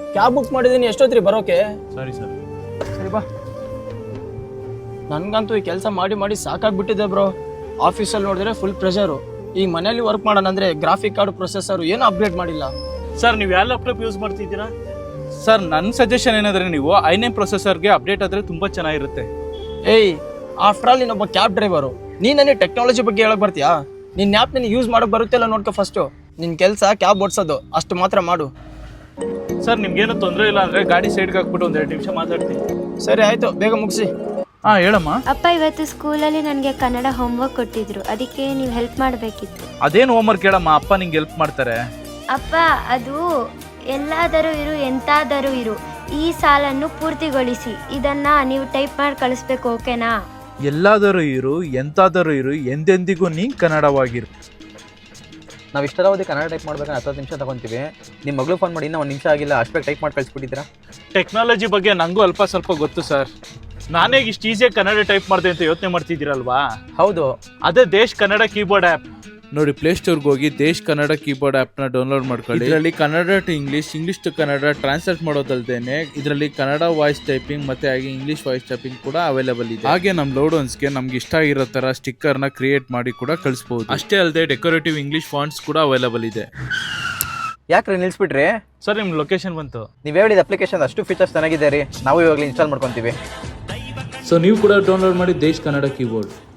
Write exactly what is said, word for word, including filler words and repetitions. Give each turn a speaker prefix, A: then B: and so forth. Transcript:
A: Cab book ಮಾಡಿದ್ದೀನಿ, ಎಷ್ಟೊತ್ರಿ ಬರೋಕೆ?
B: ಸರಿ ಸರ್.
A: ಸರಿ ಬಾ. ನನಗಂತೂ ಈ ಕೆಲಸ ಮಾಡಿ ಮಾಡಿ ಸಾಕಾಗ್ಬಿಟ್ಟಿದೆ ಬ್ರೋ. ಆಫೀಸಲ್ಲಿ ನೋಡಿದ್ರೆ ಫುಲ್ ಪ್ರೆಷರು. ಈ ಮನೇಲಿ ವರ್ಕ್ ಮಾಡೋಣ ಅಂದರೆ ಗ್ರಾಫಿಕ್ ಕಾರ್ಡ್ ಪ್ರೊಸೆಸರು ಏನೂ ಅಪ್ಡೇಟ್ ಮಾಡಿಲ್ಲ.
B: ಸರ್ ನೀವು ಯಾವ ಲ್ಯಾಪ್ಟಾಪ್ ಯೂಸ್ ಮಾಡ್ತಿದ್ದೀರಾ?
C: ಸರ್ ನನ್ನ ಸಜೆಷನ್ ಏನಂದರೆ ನೀವು ಐ ನೈನ್ ಪ್ರೊಸೆಸರ್ಗೆ ಅಪ್ಡೇಟ್ ಆದರೆ ತುಂಬ ಚೆನ್ನಾಗಿರುತ್ತೆ.
A: ಏಯ್, ಆಫ್ಟರ್ ಆಲ್ ನೀನೊಬ್ಬ ಕ್ಯಾಬ್ ಡ್ರೈವರು, ನೀನು ನನಗೆ ಟೆಕ್ನಾಲಜಿ ಬಗ್ಗೆ ಹೇಳಕ್ ಬರ್ತೀಯಾ? ನಿನ್ನ ಆ್ಯಪ್ ನಿನಗೆ ಯೂಸ್ ಮಾಡೋಕೆ ಬರುತ್ತೆ ಇಲ್ಲ ನೋಡ್ಕೊ ಫಸ್ಟು. ನಿನ್ನ ಕೆಲಸ ಕ್ಯಾಬ್ ಓಡಿಸೋದು, ಅಷ್ಟು ಮಾತ್ರ ಮಾಡು.
B: ಸರ್ ನಿಮ್ಗೇನು ತೊಂದರೆ ಇಲ್ಲ ಅಂದರೆ ಗಾಡಿ ಸೈಡ್ಗೆ ಹಾಕ್ಬಿಟ್ಟು ಒಂದು ಎರಡು ನಿಮಿಷ ಮಾತಾಡ್ತೀನಿ.
A: ಸರಿ ಆಯಿತು, ಬೇಗ ಮುಗಿಸಿ.
C: ಹಾಂ ಹೇಳಮ್ಮ.
D: ಅಪ್ಪ, ಇವತ್ತು ಸ್ಕೂಲಲ್ಲಿ ನನಗೆ ಕನ್ನಡ ಹೋಮ್ವರ್ಕ್ ಕೊಟ್ಟಿದ್ರು, ಅದಕ್ಕೆ ನೀವು ಹೆಲ್ಪ್ ಮಾಡಬೇಕಿತ್ತು.
C: ಅದೇನು ಹೋಮ್ವರ್ಕ್ ಹೇಳಮ್ಮ, ಅಪ್ಪ ನಿಂಗೆ ಹೆಲ್ಪ್ ಮಾಡ್ತಾರೆ.
D: ಅಪ್ಪ, ಅದು ಎಲ್ಲಾದರೂ ಇರು ಎಂತಾದರೂ ಇರು ಈ ಸಾಲನ್ನು ಪೂರ್ತಿಗೊಳಿಸಿ, ಇದನ್ನ ನೀವು ಟೈಪ್ ಮಾಡಿ ಕಳಿಸ್ಬೇಕು, ಓಕೆನಾ?
C: ಎಲ್ಲಾದರೂ ಇರು ಎಂತಾದರೂ ಇರು ಎಂದೆಂದಿಗೂ ನೀ ಕನ್ನಡವಾಗಿರು.
E: ನಾವು ಇಷ್ಟರಾವಧಿ ಕನ್ನಡ ಟೈಪ್ ಮಾಡ್ಬೇಕಾದ್ರೆ ಹತ್ತು ನಿಮಿಷ ತಗೊತೀವಿ. ನಿಮ್ಮ ಮಗಳು ಫೋನ್ ಮಾಡಿ ಇನ್ನೂ ಒಂದು ನಿಮಿಷ ಆಗಿಲ್ಲ, ಅಷ್ಟೇ ಟೈಪ್ ಮಾಡಿ ಕಳಿಸ್ಬಿಟ್ಟಿದ್ದೀರಾ.
B: ಟೆಕ್ನಾಲಜಿ ಬಗ್ಗೆ ನನಗೂ ಅಲ್ಪ ಸ್ವಲ್ಪ ಗೊತ್ತು ಸರ್. ನಾನೇ ಇಷ್ಟು ಈಸಿಯಾಗಿ ಕನ್ನಡ ಟೈಪ್ ಮಾಡಿದೆ ಅಂತ ಯೋಚನೆ ಮಾಡ್ತಿದ್ದೀರಲ್ವಾ?
E: ಹೌದು,
B: ಅದೇ ದೇಶ್ ಕನ್ನಡ ಕೀಬೋರ್ಡ್ ಆ್ಯಪ್.
C: ನೋಡಿ, ಪ್ಲೇಸ್ಟೋರ್ಗೆ ಹೋಗಿ ದೇಶ್ ಕನ್ನಡ ಕೀಬೋರ್ಡ್ ಆ್ಯಪ್ನ ಡೌನ್ಲೋಡ್ ಮಾಡ್ಕೊಳ್ಳಿ. ಇದರಲ್ಲಿ Kannada to English, English to Kannada translate ಮಾಡೋದಲ್ದೇನೆ ಇದರಲ್ಲಿ ಕನ್ನಡ ವಾಯ್ಸ್ ಟೈಪಿಂಗ್ ಮತ್ತೆ ಹಾಗೆ ಇಂಗ್ಲೀಷ್ ವಾಯ್ಸ್ ಟೈಪಿಂಗ್ ಕೂಡ ಅವೈಲೇಬಲ್ ಇದೆ. ಹಾಗೆ ನಮ್ಮ ಲೋಡೋನ್ಸ್ಗೆ ನಮ್ಗೆ ಇಷ್ಟ ಇರೋ ತರ ಸ್ಟಿಕ್ಕರ್ನ ಕ್ರಿಯೇಟ್ ಮಾಡಿ ಕೂಡ ಕಳಿಸ್ಬೋದು. ಅಷ್ಟೇ ಅಲ್ಲದೆ ಡೆಕೋರೇಟಿವ್ ಇಂಗ್ಲೀಷ್ ಫಾಂಟ್ಸ್ ಕೂಡ ಅವೈಲೇಬಲ್ ಇದೆ.
E: ಯಾಕ್ರಿ ನಿಲ್ಲಿಸ್ಬಿಟ್ರಿ?
B: ಸರ್ ನಿಮ್ಮ ಲೊಕೇಶನ್ ಬಂತು.
E: ನೀವು ಹೇಳಿದ ಅಪ್ಲಿಕೇಶನ್ ಅಷ್ಟು ಫೀಚರ್ಸ್ ಚೆನ್ನಾಗಿದೆ ರೀ, ನಾವು ಇವಾಗಲೇ ಇನ್ಸ್ಟಾಲ್ ಮಾಡ್ಕೊತೀವಿ.
C: ಸೊ ನೀವು ಕೂಡ ಡೌನ್ಲೋಡ್ ಮಾಡಿ ದೇಶ್ ಕನ್ನಡ ಕೀಬೋರ್ಡ್.